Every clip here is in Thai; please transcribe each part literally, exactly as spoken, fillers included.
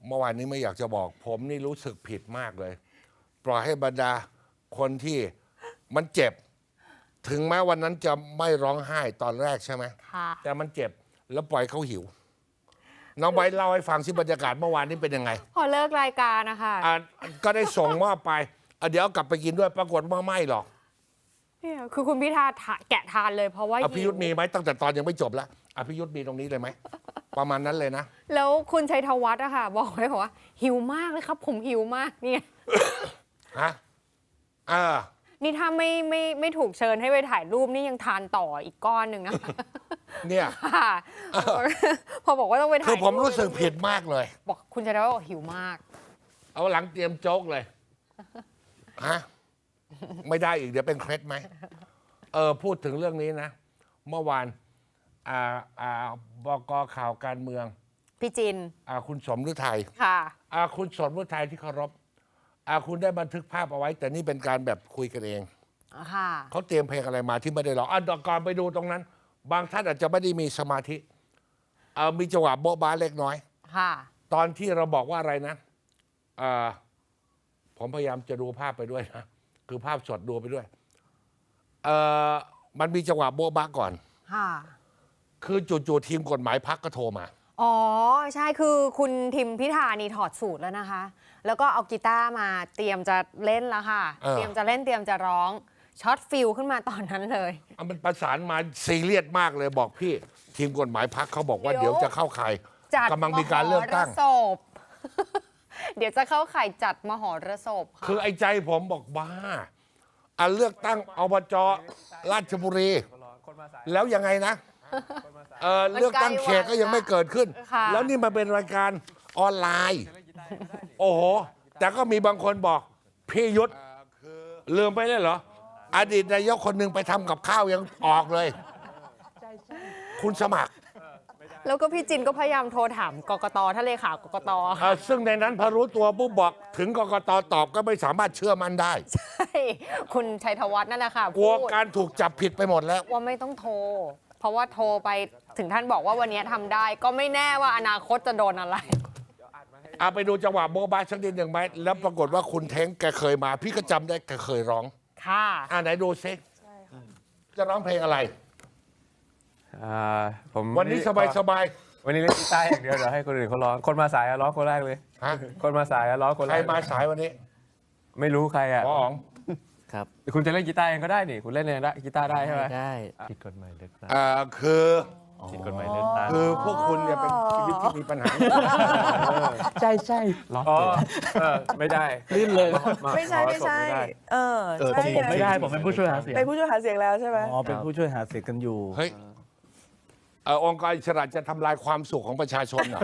เมื่อวานนี้ไม่อยากจะบอก ผมนี่รู้สึกผิดมากเลย ปล่อยให้บรรดาคนที่มันเจ็บ ถึงแม้วันนั้นจะไม่ร้องไห้ตอนแรกใช่ไหมแต่มันเจ็บแล้วปล่อยเขาหิวน้องใบเล่าให้ฟังสิบรรยากาศเมื่อวานนี้เป็นยังไงพอเลิกรายการนะคะอ่าก็ได้ส่งมอบไปเดี๋ยวกลับไปกินด้วยปรากฏว่าไม่หรอกเนี่ยคือคุณพิธาแกะทานเลยเพราะว่าอภิยุทธ์มีไหมตั้งแต่ตอนยังไม่จบแล้วอภิยุทธ์มีตรงนี้เลยไหมประมาณนั้นเลยนะแล้วคุณชัยธวัฒน์อะค่ะบอกไว้บอกว่าหิวมากเลยครับผมหิวมากเนี่ยฮะอ่านี่ถ้าไม่ไม่ไม่ถูกเชิญให้ไปถ่ายรูปนี่ยังทานต่ออีกก้อนหนึ่งนะเนี่ยพอบอกว่าต้องไปถ่ายคือผมรู้สึกผิดมากเลยบอกคุณชัยธวัฒน์บอกหิวมากเอาหลังเตรียมโจ๊กเลยฮะไม่ได้อีกเดี๋ยวเป็นเคล็ดไหมเออพูดถึงเรื่องนี้นะเมื่อวานอ่าอ่าบก.ข่าวการเมืองพี่จินอ่าคุณสมฤทัยค่ะอ่าคุณสมฤทัยที่เคารพอ่าคุณได้บันทึกภาพเอาไว้แต่นี่เป็นการแบบคุยกันเองค่ะเขาเตรียมเพลงอะไรมาที่ไม่ได้ร้องอ่ะก่อนไปดูตรงนั้นบางท่านอาจจะไม่ได้มีสมาธิเออมีจังหวะโบ๊ะบ้าเล็กน้อยค่ะตอนที่เราบอกว่าอะไรนะอ่าผมพยายามจะดูภาพไปด้วยนะคือภาพสดดูไปด้วยเออมันมีจังหวะโบ๊ะบ้าก่อนค่ะคือจู่ๆทีมกฎหมายพรรคก็โทรมาอ๋อใช่คือคุณทิมพิธานี่ถอดสูตรแล้วนะคะแล้วก็เอากีตาร์มาเตรียมจะเล่นแล้วค่ะเตรียมจะเล่นเตรียมจะร้องช็อตฟิลขึ้นมาตอนนั้นเลยมันประสานมาซีเรียสมากเลยบอกพี่ทีมกฎหมายพรรคเขาบอกว่าเดี๋ยวจะเข้าข่ายกำลังมีการเลือกตั้งเดี๋ยวจะเข้าข่ายจัดมหรสพคือไอ้ใจผมบอกบ้าอันเลือกตั้งอบจราชบุรีแล้วยังไงนะเออเลือกตั้งเขตก็ยังไม่เกิดขึ้นแล้วนี่มาเป็นรายการออนไลน์โอ้โหแต่ก็มีบางคนบอกพี่ยุทธลืมไปเลยเหรออดีตนายกคนหนึ่งไปทำกับข้าวยังออกเลยคุณสมัครแล้วก็พี่จินก็พยายามโทรถามกกตท่านเลขากกตซึ่งในนั้นพอรู้ตัวปุ๊บบอกถึงกกตตอบก็ไม่สามารถเชื่อมันได้ใช่คุณชัยธวัฒน์นั่นแหละค่ะกลัวการถูกจับผิดไปหมดแล้วว่าไม่ต้องโทรเพราะว่าโทรไปถึงท่านบอกว่าวันนี้ทำได้ก็ไม่แน่ว่าอนาคตจะโดนอะไรเอาไปดูจังหวะโบ๊ะบ้าสักนิดหนึ่งไหมแล้วปรากฏว่าคุณเท้งแกเคยมาพี่ก็จำได้แกเคยร้องค่ะอ่าไหนดูซิจะร้องเพลงอะไรอ่าผมวันนี้สบายสบายวันนี้เล่นกีตาร์อย่างเดียวเดี๋ยวให้คนอื่นเขาร้องคนมาสายร้องคนแรกเลยฮะคนมาสายร้องคนแรกใครมาสายวันนี้ไม่รู้ใครอ่ะอ๋อครับคุณจะเล่นกีตาร์เองก็ได้นี่คุณเล่นเองได้กีตาร์ได้ใช่ไหมได้ผิดกฎหมายเลือกตั้งอ่าคือผิดกฎหมายเลือกตั้งคือพวกคุณเนี่ยเป็นชีวิตที่มีปัญหาใช่ใช่อ๋อไม่ได้ลื่นเลยไม่ใช่ไม่ใช่เออผมไม่ได้ผมเป็นผู้ช่วยหาเสียงเป็นผู้ช่วยหาเสียงแล้วใช่ไหมอ๋อเป็นผู้ช่วยหาเสียงกันอยู่เฮ้ยองค์กรอิสระจะทำลายความสุขของประชาชนเหรอ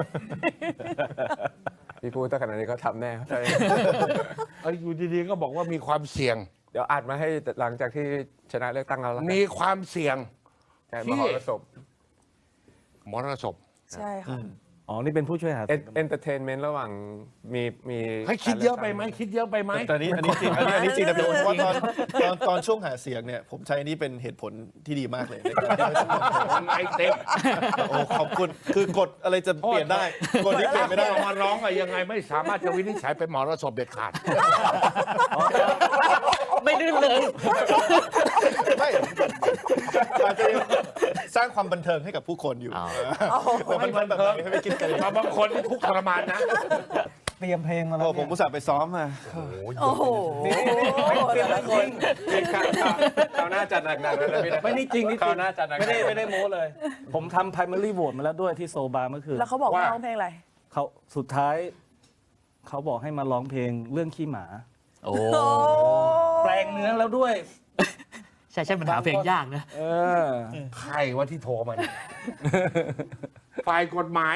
พี่พูดตั้งขนาดนี้เขาทำแน่ใช่อยู่ดีๆก็บอกว่ามีความเสี่ยงเดี๋ยวอัดมาให้หลังจากที่ชนะเลือกตั้งแล้วมีความเสี่ยงมหรสพมรสพใช่ค่ะอ๋อนี่เป็นผู้ช่วยหาเอนเตอร์เทนเมนต์ระหว่างมีมีให้คิดเยอะไปไหมคิดเยอะไปไหมตอนนี้อันนี้จริงอันนี้อันนี้จริงนะพี่โอ๊ตเพราะว่าตอนตอนตอนช่วงหาเสียงเนี่ยผมใช้นี่เป็นเหตุผลที่ดีมากเลยในการที่ไอ้เต็มโอ้ขอบคุณคือกฎอะไรจะเปลี่ยนได้กฎนี้เปลี่ยนไม่ได้มาร้องอะยังไงไม่สามารถจะวินิจฉัยเป็นมรสพเด็ดขาดไม่ลื่นเลยไม่อาจจะสร้างความบันเทิงให้กับผู้คนอยู่แต่มันบันเทิงให้ไปกินกันบางคนทุกข์ทรมานนะเตรียมเพลงมาแล้วผมอุตส่าห์ไปซ้อมมาโอ้โหเตรียมแล้วคนเขาหน้าจัดหนักๆเลยนะพี่ไม่นี่จริงนี่จริงไม่ได้ไม่ได้โม้เลยผมทำ primary vote มาแล้วด้วยที่โซบาเมื่อคืนแล้วเขาบอกว่าร้องเพลงอะไรเขาสุดท้ายเขาบอกให้มาร้องเพลงเรื่องขี้หมาโอ้แปลงเนื้อแล้วด้วยใช่ใช่ปัญหาเพลงยากนะเออใครว่าที่โทรมาฝ่ายกฎหมาย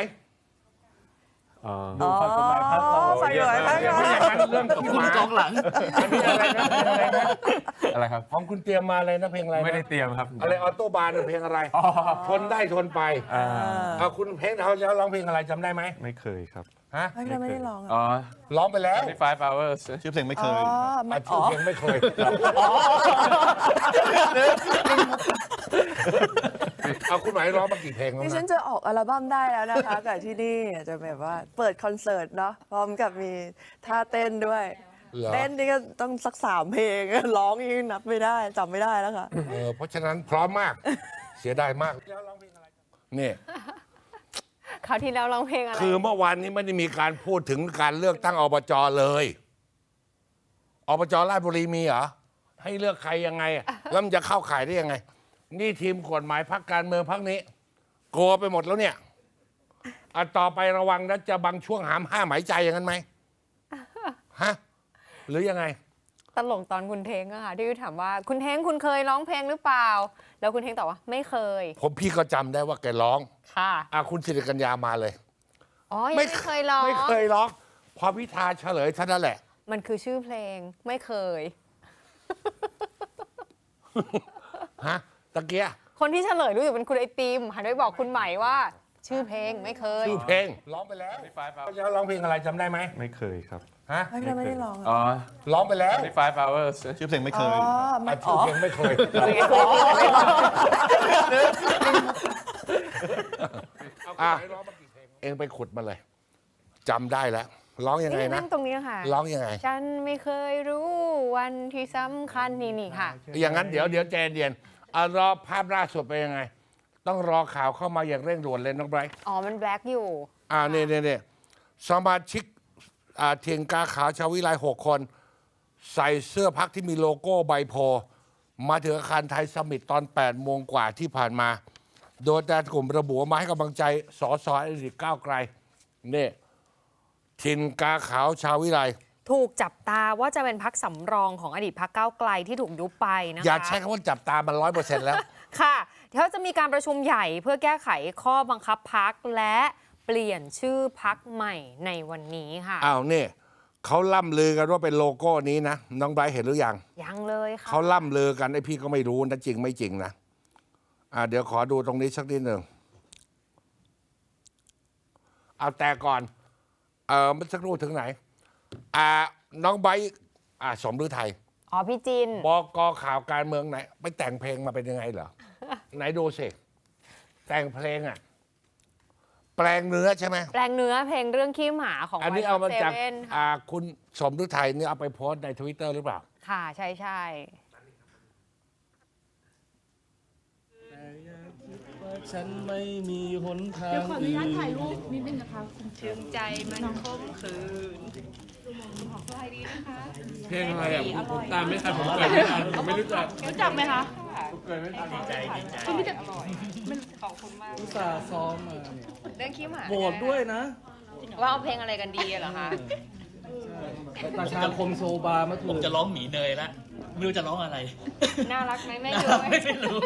ดูฝ่ายกฎหมายพักเราฝ่ายกฎหมายพักเราไม่อย่างนั้นเรื่องกฎหมายกองหลังอันนี้อะไรนะอะไรนะอะไรครับของคุณเตรียมมาอะไรนะเพลงอะไรไม่ได้เตรียมครับอะไรออโต้บาร์เพลงอะไรทนได้ทนไปเอาคุณเพลงเขาจะร้องเพลงอะไรจำได้ไหมไม่เคยครับฮะไม่ได้ร้องอ๋อร้องไปแล้ว five hours ชื่อเพลงไม่เคยชื่อเพลงไม่เคยเอาคุณหมายร้องมากี่เพลงแล้วดิฉันนะจะออกอัลบั้มได้แล้วนะคะ กับที่นี่จะแบบว่าเปิดคอนเสิร์ตเนาะพร้อมกับมีท่าเต้นด้วยเหรอเต้นนี่ก็ต้องสักสามเพลง ร้องยังนับไม่ได้จำไม่ได้แล้วค่ะเออเพราะฉะนั้นพร้อมมาก เสียดายมากนี่คราวที่แล้วร้องเพลงอะไรคือเมื่อวานนี้ไม่ได้มีการพูดถึงการเลือกตั้งอบจเลยอบจราชบุรีมีเหรอให้เลือกใครยังไงอะแล้วมันจะเข้าข่ายได้ยังไง นี่ทีมกฎหมายพรรคการเมืองพรรคนี้กลัวไปหมดแล้วเนี่ยอ่ะต่อไประวังนะจะบางช่วงหามห้าหมายใจอย่างนั้นไหมฮะหรือยังไงตลกตอนคุณเทงอะค่ะที่ถามว่าคุณเทงคุณเคยร้องเพลงหรือเปล่า แล้วคุณเทงตอบว่าไม่เคยผมพี่ก็จำได้ว่าแกร้องค่ะอ่ะคุณสิริกัญญามาเลยอ๋อยังไม่เคยร้องไม่เคยร้องพอพิธาเฉลยเท่านั้นแหละมันคือชื่อเพลงไม่เคยฮะตะเกียคนที่เฉลยรู้สึกเป็นคุณไอติมหันไปบอกคุณใหม่ว่า ชื่อเพลงไม่เคยชื่อเพลงร้องไปแล้วแล้วร้องเพลงอะไรจำได้ไหมไม่เคยครับฮะไม่ได้ไม่ได้ร้องอะอ๋อร้องไปแล้ว five hours ชื่อเพลงไม่เคอ๋อย ไม่อ่ะชื่อ๋ออเพลงไม่เคย อ่ะเองไปขุดมาเลยจำได้แล้วร้องยังไงนี่นะนั่งตรงนี้ค่ะร้องยังไงฉันไม่เคยรู้วันที่สำคัญนี่นี่ค่ะอย่างนั้นเดี๋ยวเดี๋ยวใจเย็นเอารอภาพล่าสุดไปนยังไง ต้องรอข่าวเข้ามาอย่างเร่งด่วนเลยน้องไบรท์อ๋อมันแบล็กอยู่อ่าเนี่ยเนี่ยเนี่ยสมาชิกอ่าเทียงกาขาวชาววิไลหกคน ใส่เสื้อพักที่มีโลโก้ใบโพธิ์มาถึงอาคารไทยสมิตตอนแปดโมงกว่าที่ผ่านมา โดยแต่กลุ่มระบุว่ามาให้กำลังใจสสอดีตก้าวไกลเนี่ยทินกาขาวชาววิไลถูกจับตาว่าจะเป็นพักสำรองของอดีตพักก้าวไกลที่ถูกยุบไปนะคะอย่าใช้คำว่าจับตามันร้อยเปอร์เซ็นต์แล้วค่ะเขาจะมีการประชุมใหญ่เพื่อแก้ไขข้อบังคับพักและเปลี่ยนชื่อพักใหม่ในวันนี้ค่ะอ้าวเนี่ยเขาล่ำลือกันว่าเป็นโลโก้นี้นะ น้องไบรท์เห็นหรือยังยังเลยค่ะเขาล่ำลือกันไอ้พี่ก็ไม่รู้นะจริงไม่จริงนะอ่าเดี๋ยวขอดูตรงนี้สักนิดหนึ่งเอาแต่ก่อนเออเมื่อสักครู่ถึงไหนอ่าน้องไบรท์อ่าสมฤทัยอ๋อพี่จินบกข่าวการเมืองไหนไปแต่งเพลงมาเป็นยังไงเหรอ ไหนดูสิแต่งเพลงอ่ะแปลงเนื้อใช่ไหมแปลงเนื้อเพลงเรื่องขี้หมาของอันนี้ White เอามา Hot จาก Seven ค่ะอ่าคุณสมฤทัยนี่เอาไปโพสต์ในทวิตเตอร์หรือเปล่าค่ะใช่ใช่ฉันไม่มีหนทางเดี๋ยวขออนุญาตถ่ายรูปนิดนึงนะคะคุณถึงใจมันคมคืนเพลงอะไรอ่ะผมตามไม่ทันผมเกิดไม่ทันผมไม่รู้จักรู้จักไหมคะเกิดไม่ทันคุณรู้จักขอบคุณมากอุตส่าห์ซ้อมมาเนี่ยเรื่องขี้หมาโหวตด้วยนะว่าเอาเพลงอะไรกันดีอะเหรอคะประชาคมโซบามาถูผมกจะร้องหมีเนยละไม่รู้จะร้องอะไรน่ารักไหมแม่น่าดูรักไหมไม่รู้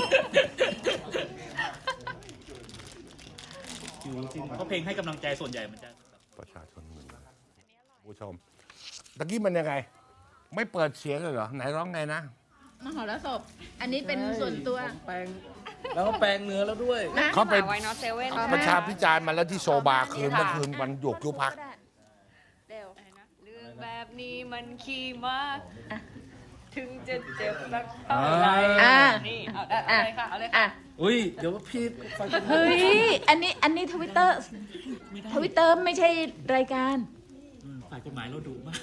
เพราะเพลงให้กำลังใจส่วนใหญ่มันจะประชาชนหนึ่งผู้ชมตะกี้มันยังไง ไม่เปิดเสียงเลยเหรอ ไหนร้องไงนะมหรสพ อันนี้เป็นส่วนตัวแปลงแล้วก็แปลงเนื้อแล้วด้วยเขาเป็นไวน์นอตเซเว่นประชาพิจารณ์มาแล้วที่โซบาคืนเมื่อคืนวันหยุกยุบพักเร็วเรื่องแบบนี้มันขี้มาก ถึงจะเจ็บสักเท่าไหร่อ่านี่เอาเอาเลยค่ะเอาเลยค่ะอ่ะอุ้ย เดี๋ยวพี่ฟังกันเฮ้ย อันนี้ อันนี้ทวิตเตอร์ ทวิตเตอร์ไม่ใช่รายการฝ่ายกฎหมายเราดุมาก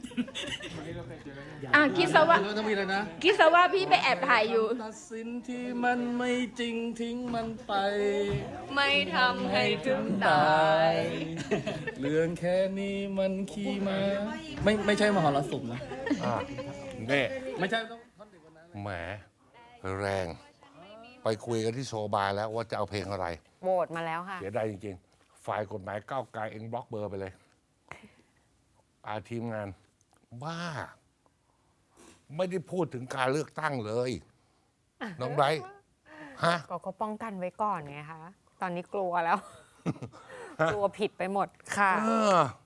อ่ะคิดซะว่าแล้วต้องมีอะไรนะคิดซะว่าพี่ไปแอบถ่ายอยู่ตัดสินที่มันไม่จริงทิ้งมันไปไม่ทำให้ถึงตายเรื่องแค่นี้มันขี้มาไม่ไม่ใช่มหรสพนะอ่านี่ไม่ใช่ต้องแหมแรง ไปคุยกันที่โซบาแล้วว่าจะเอาเพลงอะไรโหวตมาแล้วค่ะเสียดายจริงๆ ฝ่ายกฎหมายก้าวไกลเองบล็อกเบอร์ไปเลย อาทีมงาน บ้า ไม่ได้พูดถึงการเลือกตั้งเลย น้องไบรท์ฮะก็เขาป้องกันไว้ก่อนไงคะ ตอนนี้กลัวแล้ว กลัวผิดไปหมดค่ะเออ